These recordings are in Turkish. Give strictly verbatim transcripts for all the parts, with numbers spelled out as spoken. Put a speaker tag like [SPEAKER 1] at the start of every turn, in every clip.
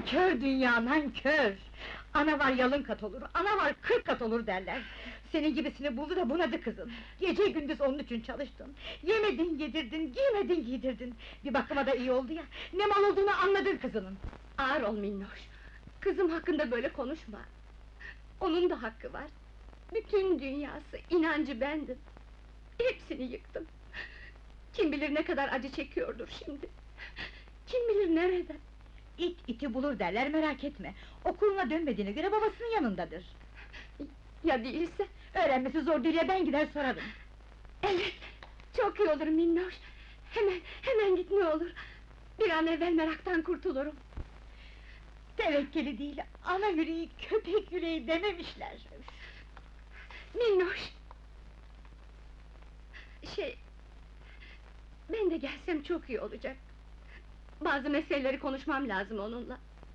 [SPEAKER 1] Nankör dünya, nankör! Ana var yalın kat olur, ana var kırk kat olur derler. Senin gibisini buldu da bunadı kızın. Gece gündüz onun için çalıştın. Yemedin yedirdin, giymedin giydirdin. Bir bakıma da iyi oldu ya, ne mal olduğunu anladın kızının.
[SPEAKER 2] Ağır ol minnoş! Kızım hakkında böyle konuşma! Onun da hakkı var! Bütün dünyası, inancı bendim! Hepsini yıktım! Kim bilir ne kadar acı çekiyordur şimdi! Kim bilir nereden?
[SPEAKER 1] İt iti bulur derler, merak etme! Okuluna dönmediğine göre babasının yanındadır.
[SPEAKER 2] Ya değilse?
[SPEAKER 1] Öğrenmesi zor değil ya, ben gider sorarım!
[SPEAKER 2] Evet! Çok iyi olur minnoş! Hemen, hemen git ne olur! Bir an evvel meraktan kurtulurum!
[SPEAKER 1] Tevekkeli değil, ana yüreği köpek yüreği dememişler!
[SPEAKER 2] Minnoş! Şey... Ben de gelsem çok iyi olacak! Bazı meseleleri konuşmam lazım onunla!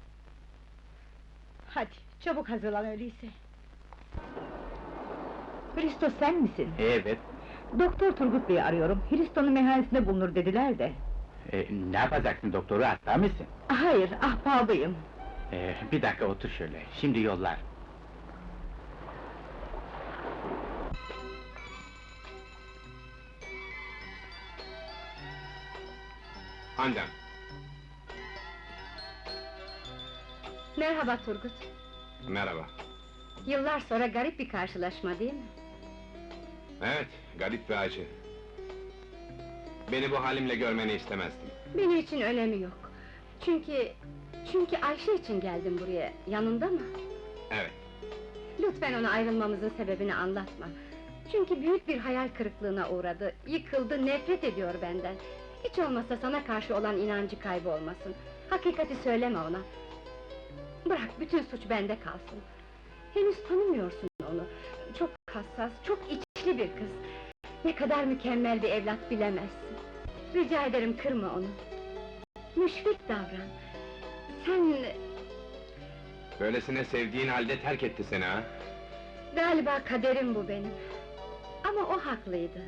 [SPEAKER 1] Hadi, çabuk hazırlan öyleyse! Hristo sen misin?
[SPEAKER 3] Evet.
[SPEAKER 1] Doktor Turgut Bey'i arıyorum, Hristo'nun meyhanesinde bulunur dediler de!
[SPEAKER 3] E, ne yapacaksın doktoru, hasta mısın?
[SPEAKER 1] Hayır, ahbabıyım!
[SPEAKER 3] E, bir dakika otur şöyle, şimdi yollar.
[SPEAKER 4] Handan!
[SPEAKER 2] Merhaba Turgut!
[SPEAKER 4] Merhaba!
[SPEAKER 2] Yıllar sonra garip bir karşılaşma değil mi?
[SPEAKER 4] Evet, garip ve acı. Beni bu halimle görmeni istemezdim.
[SPEAKER 2] Benim için önemi yok! Çünkü... Çünkü Ayşe için geldim buraya, yanında mı?
[SPEAKER 4] Evet.
[SPEAKER 2] Lütfen ona ayrılmamızın sebebini anlatma! Çünkü büyük bir hayal kırıklığına uğradı, yıkıldı, nefret ediyor benden! Hiç olmazsa sana karşı olan inancı kaybolmasın! Hakikati söyleme ona! Bırak, bütün suç bende kalsın! Henüz tanımıyorsun onu! Çok hassas, çok içli bir kız! Ne kadar mükemmel bir evlat bilemezsin! Rica ederim kırma onu! Müşfik davran! Sen...
[SPEAKER 4] Böylesine sevdiğin halde terk etti seni ha?
[SPEAKER 2] Galiba kaderim bu benim! Ama o haklıydı!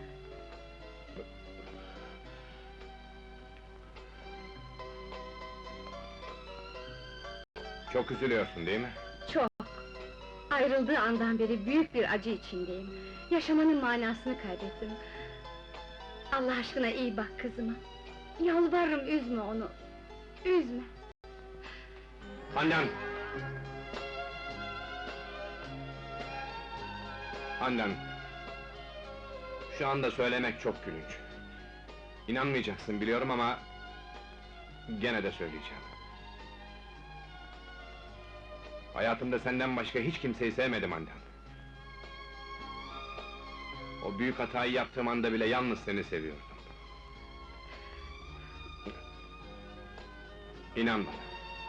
[SPEAKER 4] Çok üzülüyorsun değil mi?
[SPEAKER 2] Çok! Ayrıldığı andan beri büyük bir acı içindeyim! Yaşamanın manasını kaybettim! Allah aşkına iyi bak kızıma! Yalvarırım üzme onu! Üzme!
[SPEAKER 4] Handan! Handan! Şu anda söylemek çok gülünç. İnanmayacaksın biliyorum ama... Gene de söyleyeceğim. Hayatımda senden başka hiç kimseyi sevmedim Handan. O büyük hatayı yaptığım anda bile yalnız seni seviyordum. İnan bana.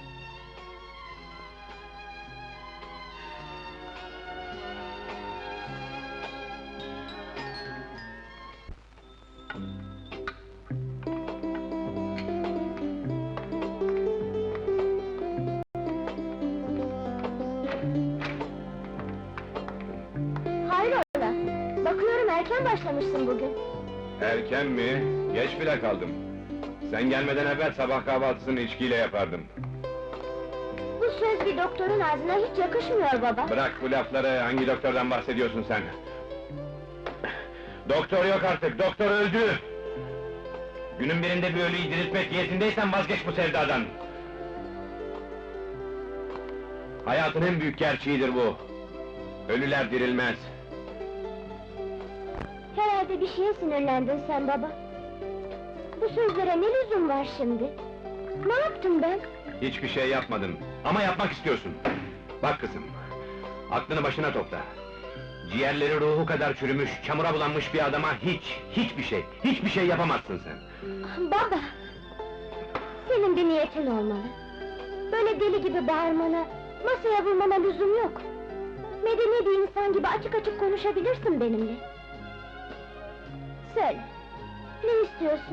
[SPEAKER 2] Hayrola! Bakıyorum erken başlamışsın bugün!
[SPEAKER 4] Erken mi? Geç bile kaldım. Sen gelmeden evvel sabah kahvaltısını içkiyle yapardım.
[SPEAKER 2] Bu söz bir doktorun ağzına hiç yakışmıyor baba!
[SPEAKER 4] Bırak bu lafları, hangi doktordan bahsediyorsun sen? Doktor yok artık, doktor öldü! Günün birinde bir ölüyü diriltmek niyetindeysen vazgeç bu sevdadan! Hayatın en büyük gerçeğidir bu! Ölüler dirilmez!
[SPEAKER 2] Herhalde bir şeye sinirlendin sen baba! Bu sözlere ne lüzum var şimdi? Ne yaptım ben?
[SPEAKER 4] Hiçbir şey yapmadın, ama yapmak istiyorsun! Bak kızım, aklını başına topla! Ciğerleri ruhu kadar çürümüş, çamura bulanmış bir adama hiç, hiçbir şey, hiçbir şey yapamazsın sen!
[SPEAKER 2] Baba! Senin bir niyetin olmalı! Böyle deli gibi bağırmana, masaya vurmana lüzum yok! Medeni bir insan gibi açık açık konuşabilirsin benimle! Söyle! Ne istiyorsun?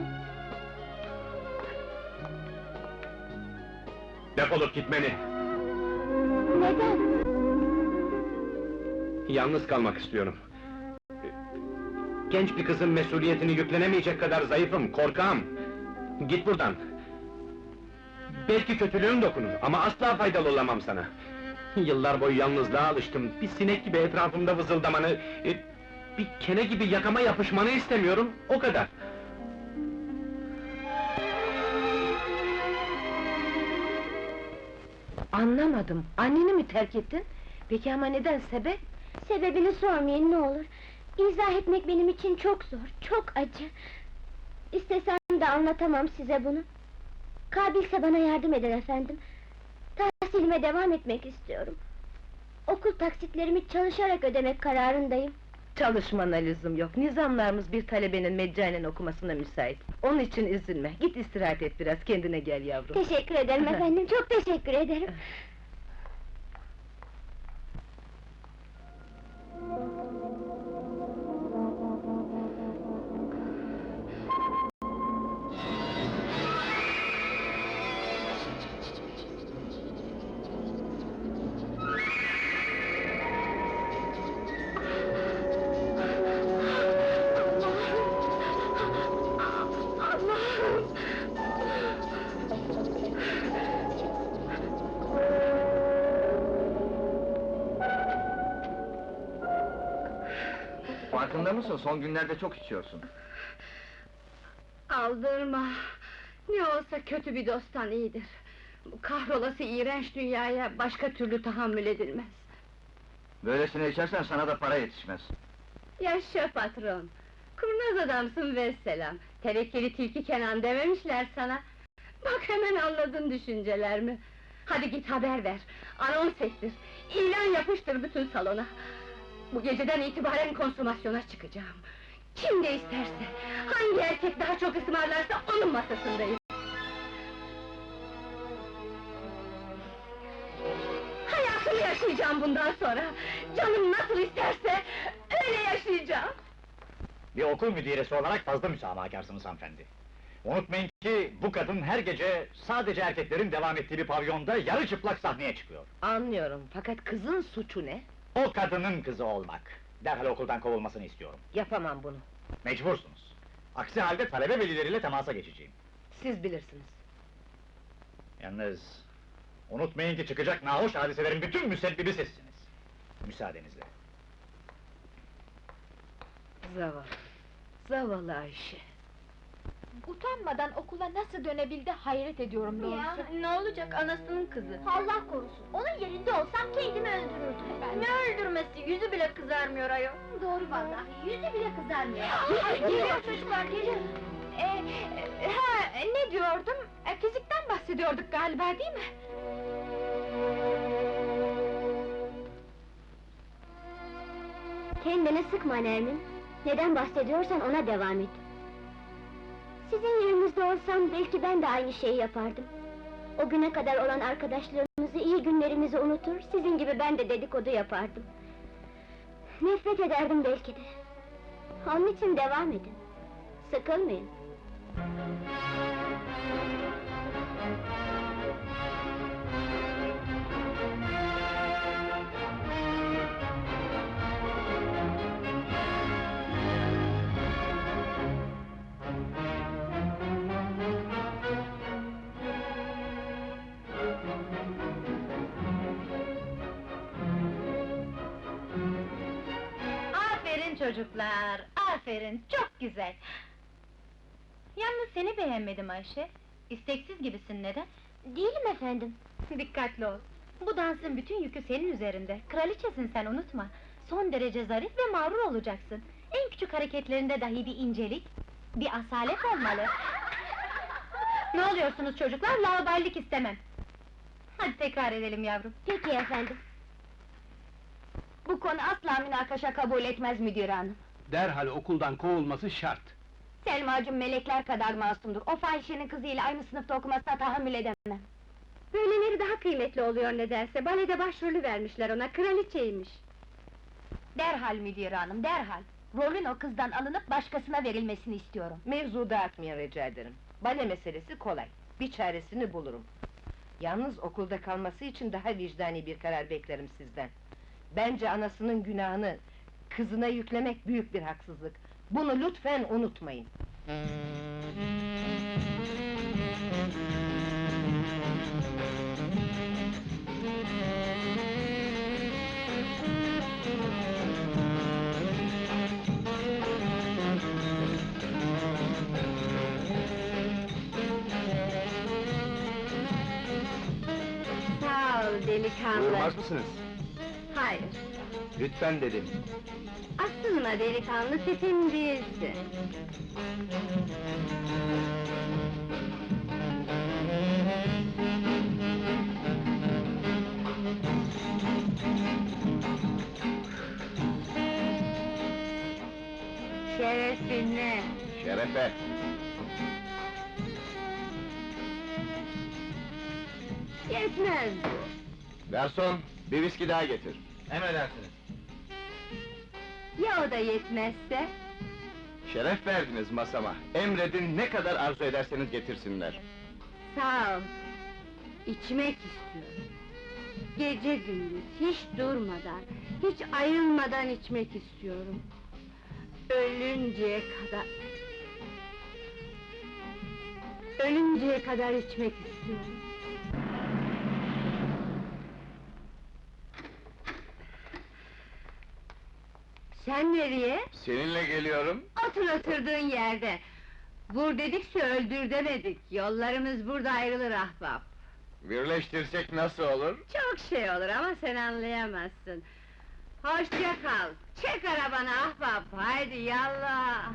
[SPEAKER 4] Defolup gitmeni!
[SPEAKER 2] Neden?
[SPEAKER 4] Yalnız kalmak istiyorum! Genç bir kızın mesuliyetini yüklenemeyecek kadar zayıfım, korkağım! Git buradan! Belki kötülüğün dokunur ama asla faydalı olamam sana. Yıllar boyu yalnızlığa alıştım, bir sinek gibi etrafımda vızıldamanı, e, bir kene gibi yakama yapışmanı istemiyorum, o kadar.
[SPEAKER 5] Anlamadım, anneni mi terk ettin? Peki ama neden, sebep?
[SPEAKER 2] Sebebini sormayın ne olur. İzah etmek benim için çok zor, çok acı. İstesem de anlatamam size bunu. Kabilse bana yardım eder efendim. Tahsilime devam etmek istiyorum. Okul taksitlerimi çalışarak ödemek kararındayım.
[SPEAKER 5] Çalışmana lüzum yok, nizamlarımız bir talebenin meccanen okumasına müsait. Onun için üzülme, git istirahat et biraz, kendine gel yavrum.
[SPEAKER 2] Teşekkür ederim efendim, çok teşekkür ederim.
[SPEAKER 6] Farkında mısın? Son günlerde çok içiyorsun.
[SPEAKER 2] Aldırma! Ne olsa kötü bir dosttan iyidir. Bu kahrolası iğrenç dünyaya başka türlü tahammül edilmez.
[SPEAKER 6] Böylesine içersen sana da para yetişmez.
[SPEAKER 2] Yaşa patron! Kurnaz adamsın vesselam! Tevekkeli tilki Kenan dememişler sana! Bak hemen anladın düşüncelerimi! Hadi git haber ver, anons ettir, ilan yapıştır bütün salona! Bu geceden itibaren konsumasyona çıkacağım! Kim de isterse, hangi erkek daha çok ısmarlarsa onun masasındayım! Hayatımı yaşayacağım bundan sonra! Canım nasıl isterse, öyle yaşayacağım!
[SPEAKER 7] Bir okul müdiresi olarak fazla müsamahakarsınız hanımefendi. Unutmayın ki bu kadın her gece sadece erkeklerin devam ettiği bir pavyonda yarı çıplak sahneye çıkıyor.
[SPEAKER 5] Anlıyorum, fakat kızın suçu ne?
[SPEAKER 7] O kadının kızı olmak. Derhal okuldan kovulmasını istiyorum.
[SPEAKER 5] Yapamam bunu,
[SPEAKER 7] Mecbursunuz. Aksi halde talebe velileriyle temasa geçeceğim.
[SPEAKER 5] siz bilirsiniz.
[SPEAKER 7] Yalnız unutmayın ki çıkacak nahoş hadiselerin bütün müsebbibi sizsiniz. Müsaadenizle.
[SPEAKER 5] Zavallı, zavallı Ayşe!
[SPEAKER 8] Utanmadan okula nasıl dönebildi hayret ediyorum doğrusu.
[SPEAKER 2] Ne olacak, anasının kızı!
[SPEAKER 8] Allah korusun, onun yerinde olsam kendimi öldürürdüm ben.
[SPEAKER 2] Ne öldürmesi, yüzü bile kızarmıyor ayol!
[SPEAKER 8] Doğru vallahi, yüzü bile kızarmıyor.
[SPEAKER 2] Ay, geliyor çocuklar, geliyor!
[SPEAKER 8] Ee, e, ha, ne diyordum? E, fizikten bahsediyorduk galiba, değil mi?
[SPEAKER 2] Kendini sıkma Nermin! Neden bahsediyorsan ona devam et! Sizin yerinizde olsam belki ben de aynı şeyi yapardım. O güne kadar olan arkadaşlığımızı, iyi günlerimizi unutur, sizin gibi ben de dedikodu yapardım. Nefret ederdim belki de. Onun için devam edin. Sıkılmayın.
[SPEAKER 8] Aferin çocuklar, aferin, çok güzel! Yalnız seni beğenmedim Ayşe. İsteksiz gibisin, neden?
[SPEAKER 2] Değilim efendim.
[SPEAKER 8] Dikkatli ol! Bu dansın bütün yükü senin üzerinde, kraliçesin sen unutma! Son derece zarif ve mağrur olacaksın. En küçük hareketlerinde dahi bir incelik, bir asalet olmalı! Ne oluyorsunuz çocuklar, laubalilik istemem! Hadi tekrar edelim yavrum!
[SPEAKER 2] Peki efendim.
[SPEAKER 8] Bu konu asla münakaşa kabul etmez müdür hanım!
[SPEAKER 4] Derhal okuldan kovulması şart!
[SPEAKER 8] Selma'cığım melekler kadar masumdur, o fahişenin kızıyla aynı sınıfta okumasına tahammül edemem!
[SPEAKER 2] Böyleleri daha kıymetli oluyor nedense, balede başrolü vermişler ona, kraliçeymiş!
[SPEAKER 8] Derhal müdür hanım, derhal! Rolün o kızdan alınıp başkasına verilmesini istiyorum!
[SPEAKER 5] Mevzu dağıtmayın rica ederim. Bale meselesi kolay, bir çaresini bulurum. Yalnız okulda kalması için daha vicdani bir karar beklerim sizden. Bence anasının günahını kızına yüklemek büyük bir haksızlık. Bunu lütfen unutmayın.
[SPEAKER 2] ol delikanlı.
[SPEAKER 4] Buyurmaz mısınız?
[SPEAKER 2] Hayır,
[SPEAKER 4] Lütfen dedim.
[SPEAKER 2] asılma delikanlı, tipin değilsin. Şerefine!
[SPEAKER 4] Şerefe!
[SPEAKER 2] Yetmez bu!
[SPEAKER 4] Garson, bir viski daha getir.
[SPEAKER 6] Emredersiniz.
[SPEAKER 2] Ya o da yetmezse?
[SPEAKER 4] Şeref verdiniz masama. Emredin, ne kadar arzu ederseniz getirsinler.
[SPEAKER 2] Sağ ol! İçmek istiyorum. Gece gündüz, hiç durmadan, hiç ayrılmadan içmek istiyorum. Ölünceye kadar... Ölünceye kadar içmek istiyorum. Sen nereye?
[SPEAKER 4] Seninle geliyorum.
[SPEAKER 2] Otur oturduğun yerde! Vur dedikse öldür demedik, yollarımız burada ayrılır ahbap!
[SPEAKER 4] Birleştirsek nasıl olur?
[SPEAKER 2] Çok şey olur ama sen anlayamazsın! Hoşça kal! Çek arabanı ahbap, haydi yallah!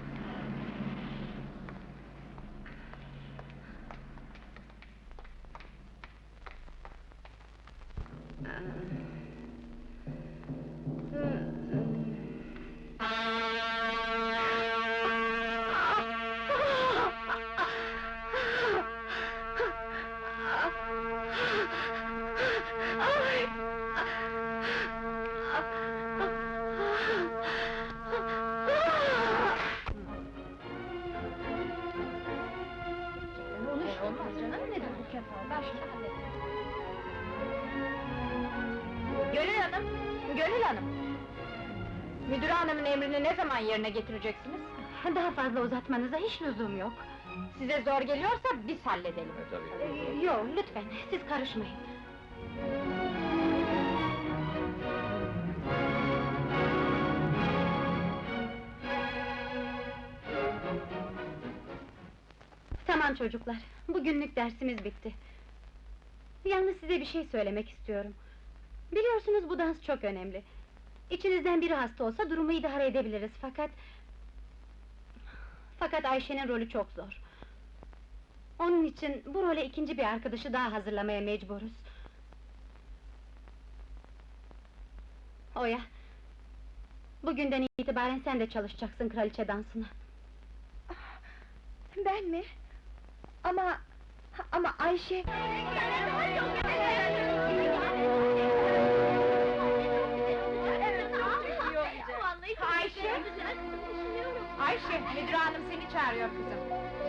[SPEAKER 8] Gönül Hanım, Gönül Hanım! Müdür hanımın emrini ne zaman yerine getireceksiniz? Daha fazla uzatmanıza hiç lüzum yok. Size zor geliyorsa biz halledelim.
[SPEAKER 4] tabii.
[SPEAKER 8] Yok, lütfen, siz karışmayın. Tamam çocuklar, bugünlük dersimiz bitti. Yalnız size bir şey söylemek istiyorum. Biliyorsunuz bu dans çok önemli. İçinizden biri hasta olsa durumu idare edebiliriz fakat... Fakat Ayşe'nin rolü çok zor. Onun için bu role ikinci bir arkadaşı daha hazırlamaya mecburuz. Oya, bugünden itibaren sen de çalışacaksın kraliçe dansına. Ben mi? Ama... ama Ayşe... Ayşe! Ayşe, müdür hanım seni çağırıyor kızım.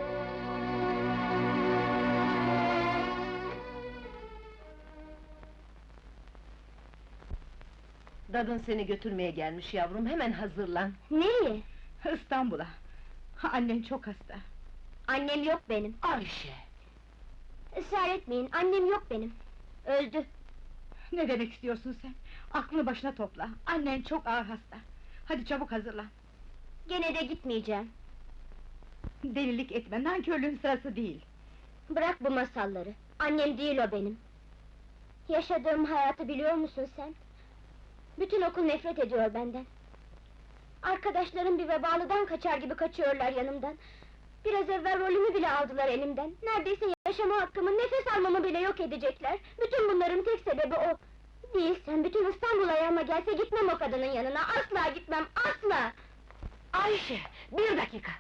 [SPEAKER 5] Dadın seni götürmeye gelmiş yavrum, hemen hazırlan.
[SPEAKER 8] Nereye?
[SPEAKER 1] İstanbul'a! Annen çok hasta!
[SPEAKER 8] Annem yok benim.
[SPEAKER 5] Ayşe!
[SPEAKER 8] Israr etmeyin, annem yok benim. Öldü.
[SPEAKER 1] Ne demek istiyorsun sen? Aklını başına topla! Annen çok ağır hasta! Hadi çabuk hazırlan!
[SPEAKER 8] Gene de gitmeyeceğim.
[SPEAKER 1] Delilik etme, nankörlüğün sırası değil!
[SPEAKER 8] Bırak bu masalları. Annem değil o benim. Yaşadığım hayatı biliyor musun sen? Bütün okul nefret ediyor benden. Arkadaşlarım bir vebalıdan kaçar gibi kaçıyorlar yanımdan. Biraz evvel rolümü bile aldılar elimden. Neredeyse yaşama hakkımı, nefes almamı bile yok edecekler. Bütün bunların tek sebebi o. Değilsen bütün İstanbul ayağıma gelse gitmem o kadının yanına. Asla gitmem, asla!
[SPEAKER 5] Ayşe, bir dakika!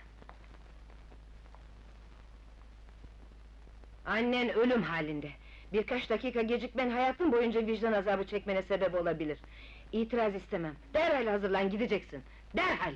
[SPEAKER 5] Annen ölüm halinde. Birkaç dakika gecikmen hayatın boyunca vicdan azabı çekmene sebep olabilir. İtiraz istemem. Derhal hazırlan, gideceksin. Derhal!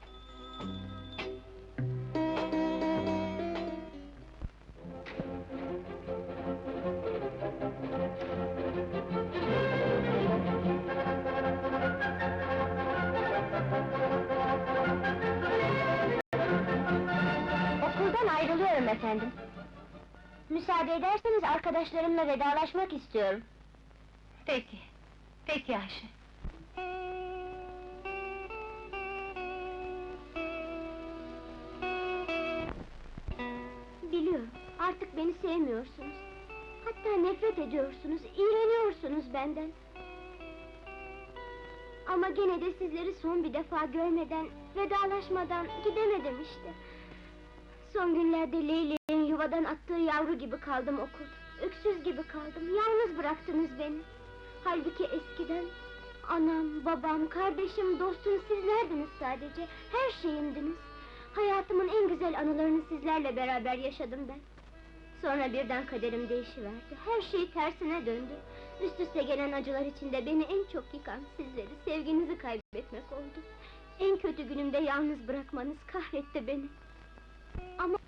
[SPEAKER 8] Okuldan ayrılıyorum efendim. Müsaade ederseniz arkadaşlarımla vedalaşmak istiyorum.
[SPEAKER 2] Peki, peki Ayşe.
[SPEAKER 8] Biliyorum, artık beni sevmiyorsunuz. Hatta nefret ediyorsunuz, iğreniyorsunuz.
[SPEAKER 9] istiyorsunuz benden. Ama gene de sizleri son bir defa görmeden, vedalaşmadan gidemedim işte. Son günlerde Leyli'nin yuvadan attığı yavru gibi kaldım okulda. Öksüz gibi kaldım, yalnız bıraktınız beni. Halbuki eskiden anam, babam, kardeşim, dostum sizlerdiniz sadece. Her şeyimdiniz. Hayatımın en güzel anılarını sizlerle beraber yaşadım ben. Sonra birden kaderim değişiverdi. Her şey tersine döndü. Üst üste gelen acılar içinde beni en çok yıkan sizleri, sevginizi kaybetmek oldu. En kötü günümde yalnız bırakmanız kahretti beni. Ama